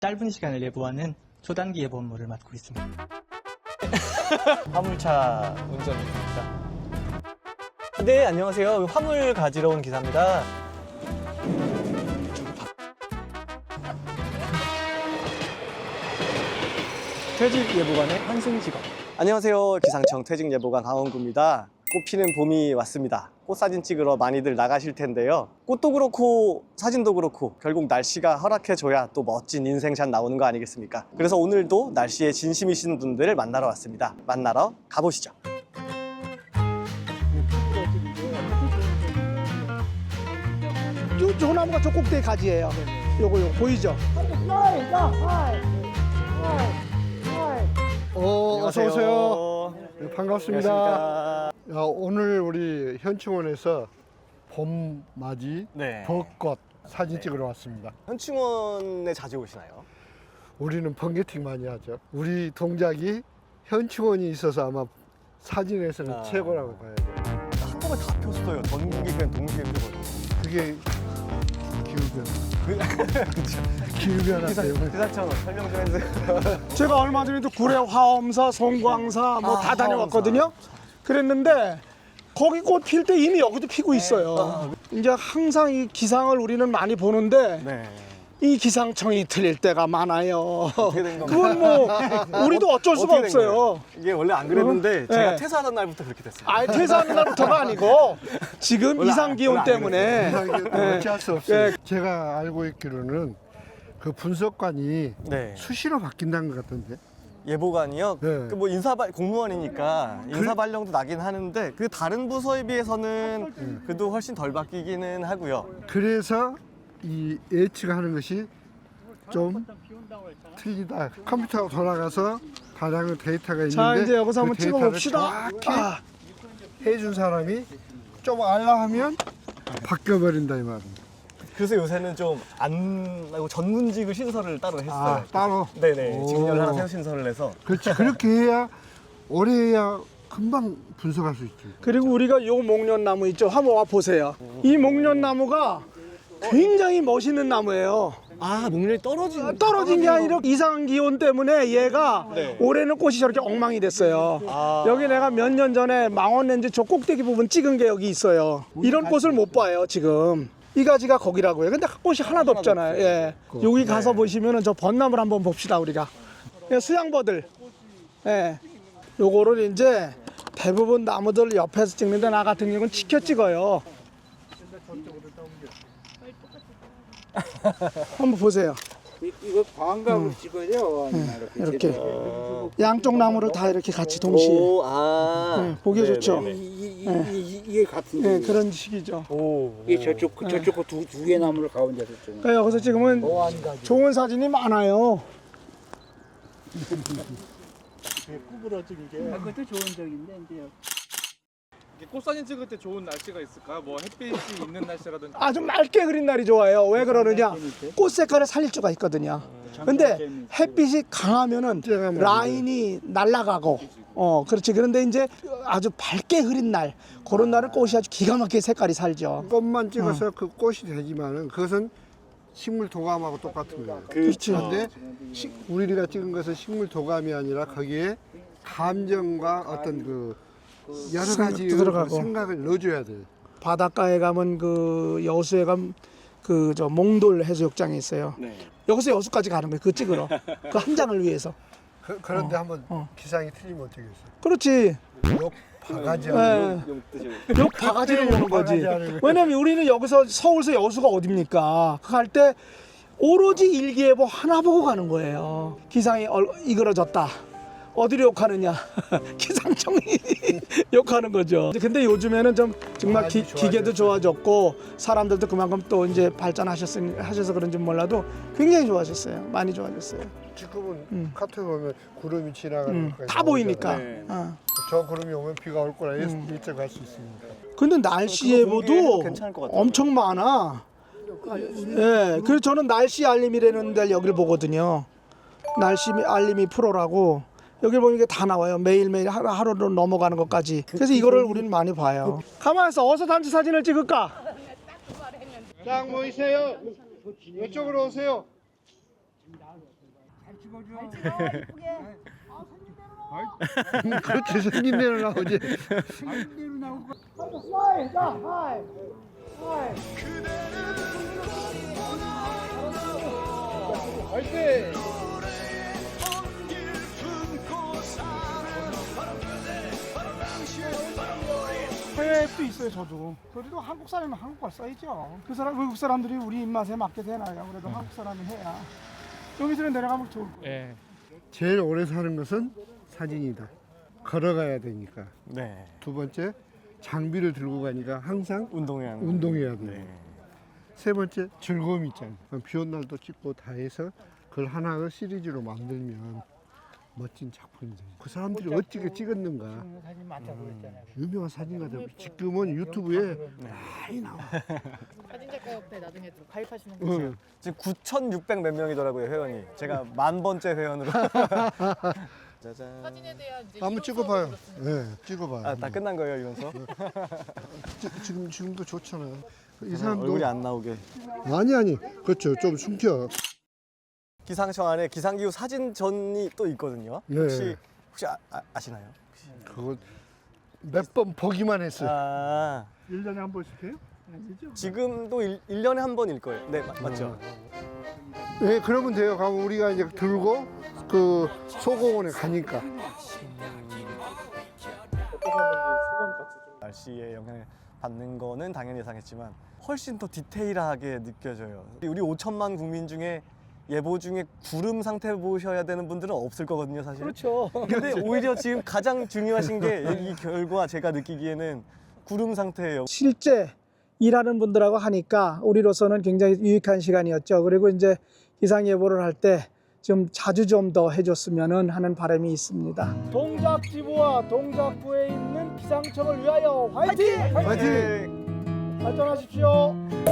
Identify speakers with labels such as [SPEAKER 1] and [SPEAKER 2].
[SPEAKER 1] 짧은 시간을 예보하는 초단기 예보 업무를 맡고 있습니다.
[SPEAKER 2] 화물차 운전입니다. 네, 안녕하세요. 화물 가지러 온 기사입니다.
[SPEAKER 1] 퇴직 예보관의 환승직업.
[SPEAKER 2] 안녕하세요. 기상청 퇴직예보관 강원구입니다. 꽃피는 봄이 왔습니다. 꽃 사진 찍으러 많이들 나가실 텐데요. 꽃도 그렇고 사진도 그렇고 결국 날씨가 허락해줘야 또 멋진 인생샷 나오는 거 아니겠습니까? 그래서 오늘도 날씨에 진심이신 분들을 만나러 왔습니다. 만나러 가보시죠.
[SPEAKER 3] 저 나무가 저 꼭대기 가지예요. 요거 보이죠? 어서 오세요. 네, 반갑습니다.
[SPEAKER 2] 안녕하십니까.
[SPEAKER 3] 야, 오늘 우리 현충원에서 봄맞이
[SPEAKER 2] 네.
[SPEAKER 3] 벚꽃 사진 찍으러 왔습니다.
[SPEAKER 2] 현충원에 자주 오시나요?
[SPEAKER 3] 우리는 번개팅 많이 하죠. 우리 동작이 현충원이 있어서 아마 사진에서는
[SPEAKER 2] 아.
[SPEAKER 3] 최고라고 봐야 돼요.
[SPEAKER 2] 한꺼번에 다 폈어요. 전국이 그냥 동시에 펴고.
[SPEAKER 3] 그게 기후변화.
[SPEAKER 2] 그렇죠.
[SPEAKER 3] 기후변화 때문에.
[SPEAKER 2] 기사처럼 설명 좀 해주세요.
[SPEAKER 3] 제가 얼마 전에도 구례 화엄사, 송광사 뭐 다 다녀왔거든요. 그랬는데 거기 꽃 필 때 이미 여기도 피고 있어요. 이제 항상 이 기상을 우리는 많이 보는데
[SPEAKER 2] 네.
[SPEAKER 3] 이 기상청이 틀릴 때가 많아요.
[SPEAKER 2] 어떻게 된 건가요?
[SPEAKER 3] 그건 뭐 우리도 어쩔 수가
[SPEAKER 2] 어떻게 된 거예요?
[SPEAKER 3] 없어요.
[SPEAKER 2] 이게 원래 안 그랬는데
[SPEAKER 3] 네.
[SPEAKER 2] 제가 퇴사하던 날부터 그렇게 됐어요.
[SPEAKER 3] 아예 퇴사하는 날부터가 아니고 지금
[SPEAKER 2] 원래
[SPEAKER 3] 이상 기온
[SPEAKER 2] 원래 안
[SPEAKER 3] 때문에
[SPEAKER 4] 어찌할 수 없어요.
[SPEAKER 3] 예.
[SPEAKER 4] 제가 알고 있기로는 그 분석관이
[SPEAKER 2] 네.
[SPEAKER 4] 수시로 바뀐다는 것 같던데.
[SPEAKER 2] 예보관이요.
[SPEAKER 4] 네.
[SPEAKER 2] 그 뭐 공무원이니까 인사 발령도 나긴 하는데 그 다른 부서에 비해서는 그래도 훨씬 덜 바뀌기는 하고요.
[SPEAKER 4] 그래서 이 예측하는 것이 좀 틀리다. 컴퓨터가 돌아가서 다량의 데이터가 있는데
[SPEAKER 3] 자 이제 여기서
[SPEAKER 4] 그
[SPEAKER 3] 한번
[SPEAKER 4] 데이터를
[SPEAKER 3] 찍어봅시다.
[SPEAKER 4] 정확히 해준 사람이 좀 알라하면 바뀌어버린다 이 말입니다.
[SPEAKER 2] 그래서 요새는 좀 안 하고 전문직을 신설을 따로 했어요.
[SPEAKER 4] 아, 따로.
[SPEAKER 2] 네네.
[SPEAKER 4] 오.
[SPEAKER 2] 직렬 하나 새로 신설을 해서.
[SPEAKER 4] 그렇지. 그렇게 해야 오래 해야 금방 분석할 수 있지.
[SPEAKER 3] 그리고 우리가 요 목련나무 있죠. 한번 와 보세요. 이 목련나무가 굉장히 멋있는 나무예요.
[SPEAKER 2] 아, 목련이
[SPEAKER 3] 떨어진 게 아니라 이상 기온 때문에 얘가
[SPEAKER 2] 네.
[SPEAKER 3] 올해는 꽃이 저렇게 엉망이 됐어요.
[SPEAKER 2] 아.
[SPEAKER 3] 여기 내가 몇 년 전에 망원렌즈 저 꼭대기 부분 찍은 게 여기 있어요. 이런 꽃을 못 봐요 지금. 이 가지가 거기라고요. 근데 꽃이 하나도 없잖아요. 예. 여기 가서 보시면은 저 벚나무를 한번 봅시다 우리가. 예, 수양버들. 예. 요거를 이제 대부분 나무들 옆에서 찍는데 나 같은 경우는 치켜 찍어요. 한번 보세요.
[SPEAKER 5] 이거 광각으로 찍어요.
[SPEAKER 3] 이렇게 양쪽 나무를 다 이렇게 같이 동시에
[SPEAKER 2] 오, 아.
[SPEAKER 3] 네, 보기 좋죠.
[SPEAKER 5] 이게 같은
[SPEAKER 3] 네,
[SPEAKER 5] 거.
[SPEAKER 3] 그런 식이죠.
[SPEAKER 2] 오.
[SPEAKER 5] 이게 저쪽 거 두 개 나무를 가운데 뒀잖아요.
[SPEAKER 3] 그러니까 여기서 찍으면 좋은 사진이 많아요.
[SPEAKER 5] 그것도 좋은 적인데 이제
[SPEAKER 6] 꽃 사진 찍을 때 좋은 날씨가 있을까요? 뭐 햇빛이 있는 날씨라든지.
[SPEAKER 3] 아주 맑게 그린 날이 좋아요. 왜 그러느냐? 꽃 색깔을 살릴 수가 있거든요. 근데 햇빛이 강하면은 라인이 날아가고 그렇지. 그런데 이제 아주 밝게 흐린 날 그런 날은 꽃이 아주 기가 막히게 색깔이 살죠.
[SPEAKER 4] 꽃만 찍어서 그 꽃이 되지만은 그것은 식물 도감하고 똑같은 거예요.
[SPEAKER 3] 그렇죠.
[SPEAKER 4] 그런데 우리가 찍은 것은 식물 도감이 아니라 거기에 감정과 어떤 그 여러 가지
[SPEAKER 3] 들어가고.
[SPEAKER 4] 생각을 넣어줘야 돼요.
[SPEAKER 3] 바닷가에 가면 그 여수에 가면 그 저 몽돌 해수욕장이 있어요.
[SPEAKER 2] 네.
[SPEAKER 3] 여기서 여수까지 가는 거예요. 그 찍으러. 그 한 장을 위해서.
[SPEAKER 4] 그런데 한번 기상이 틀리면 어떻게 했어요?
[SPEAKER 3] 그렇지.
[SPEAKER 4] 욕 바가지
[SPEAKER 3] 예.
[SPEAKER 4] 않는
[SPEAKER 3] 욕 바가지로 오는 거지.
[SPEAKER 4] 바가지 하는 거예요.
[SPEAKER 3] 왜냐면 우리는 여기서 서울서 여수가 어딥니까? 그 갈 때 오로지 일기예보 하나 보고 가는 거예요. 기상이 이그러졌다. 어디로 욕하느냐? 기상청이 욕하는 거죠. 근데 요즘에는 좀 정말 기계도 좋아졌고 사람들도 그만큼 또 이제 발전하셔서 그런지 몰라도 굉장히 좋아졌어요. 많이 좋아졌어요.
[SPEAKER 4] 지금은 카톡 보면 구름이 지나가는 것까지
[SPEAKER 3] 다 보이니까.
[SPEAKER 2] 네.
[SPEAKER 4] 저 구름이 오면 비가 올 거라 예측할 수 있습니다.
[SPEAKER 3] 근데 날씨
[SPEAKER 2] 그거
[SPEAKER 3] 예보도
[SPEAKER 2] 보기에는 괜찮을 것 같아요.
[SPEAKER 3] 엄청 많아. 예, 그래서 저는 날씨 알림이라는 데를 여기를 보거든요. 날씨 알림이 프로라고 여기 보면 이게 다 나와요. 매일매일 하루로 넘어가는 것까지. 그래서 이거를 우리는 많이 봐요. 가만히 있어. 어서 단체 사진을 찍을까?
[SPEAKER 4] 딱 모이세요. 이쪽으로 오세요. 그렇게 생긴 대로 나오지.
[SPEAKER 3] 스마일, 자, 하이. 하이.
[SPEAKER 6] 화이팅!
[SPEAKER 3] 해외에 또 있어요, 저도. 그래도 한국 사람은 한국말 써야죠. 그 사람, 외국 사람들이 우리 입맛에 맞게 되나요? 그래도 한국 사람은 해야. 여기서 내려가면 좋을 거예요.
[SPEAKER 1] 예.
[SPEAKER 4] 제일 오래 사는 것은 사진이다. 걸어가야 되니까.
[SPEAKER 2] 네.
[SPEAKER 4] 두 번째, 장비를 들고 가니까 항상
[SPEAKER 2] 운동해야 하는.
[SPEAKER 4] 운동해야 돼.
[SPEAKER 2] 네.
[SPEAKER 4] 세 번째, 즐거움이 있잖아. 비 온 날도 찍고 다 해서 그걸 하나를 시리즈로 만들면 멋진 작품이 돼. 그 사람들이 어떻게 찍었는가.
[SPEAKER 5] 사진 많다고 그랬잖아요.
[SPEAKER 4] 유명한 사진가들 지금은 유튜브에 많이 나와.
[SPEAKER 7] 사진작가협회 나중에 좀 가입하시는 거죠?
[SPEAKER 4] 응.
[SPEAKER 2] 지금 9,600 몇 명이더라고요, 회원이. 제가 1000번째 회원으로. 짜잔.
[SPEAKER 7] 사진에 대한 이제
[SPEAKER 4] 한번
[SPEAKER 7] 이론
[SPEAKER 4] 찍어봐요.
[SPEAKER 7] 수업을 들었습니다.
[SPEAKER 4] 네, 찍어봐요.
[SPEAKER 2] 아, 다 끝난 거예요, 이런 수업?
[SPEAKER 4] 지금도 좋잖아요. 이 사람도
[SPEAKER 2] 얼굴이 안 나오게.
[SPEAKER 4] 아니 그렇죠. 좀 숨겨.
[SPEAKER 2] 기상청 안에 기상기후 사진전이 또 있거든요.
[SPEAKER 4] 네.
[SPEAKER 2] 혹시 아시나요?
[SPEAKER 4] 그거 몇 번 보기만 했어요.
[SPEAKER 2] 아,
[SPEAKER 3] 1년에 한 번씩 해요? 아니죠?
[SPEAKER 2] 지금도 1년에 한 번일 거예요. 네, 맞죠?
[SPEAKER 4] 네, 그러면 돼요. 가면 우리가 이제 들고 그 소공원에 가니까.
[SPEAKER 2] 날씨에 영향을 받는 거는 당연히 예상했지만 훨씬 더 디테일하게 느껴져요. 우리 5천만 국민 중에 예보 중에 구름 상태 보셔야 되는 분들은 없을 거거든요, 사실.
[SPEAKER 3] 그렇죠.
[SPEAKER 2] 근데 오히려 지금 가장 중요하신 게 이 결과 제가 느끼기에는 구름 상태예요.
[SPEAKER 3] 실제 일하는 분들하고 하니까 우리로서는 굉장히 유익한 시간이었죠. 그리고 이제 기상 예보를 할 때 좀 자주 좀 더 해줬으면 하는 바람이 있습니다. 동작지부와 동작구에 있는 기상청을 위하여 화이팅!
[SPEAKER 2] 화이팅!
[SPEAKER 3] 발전하십시오.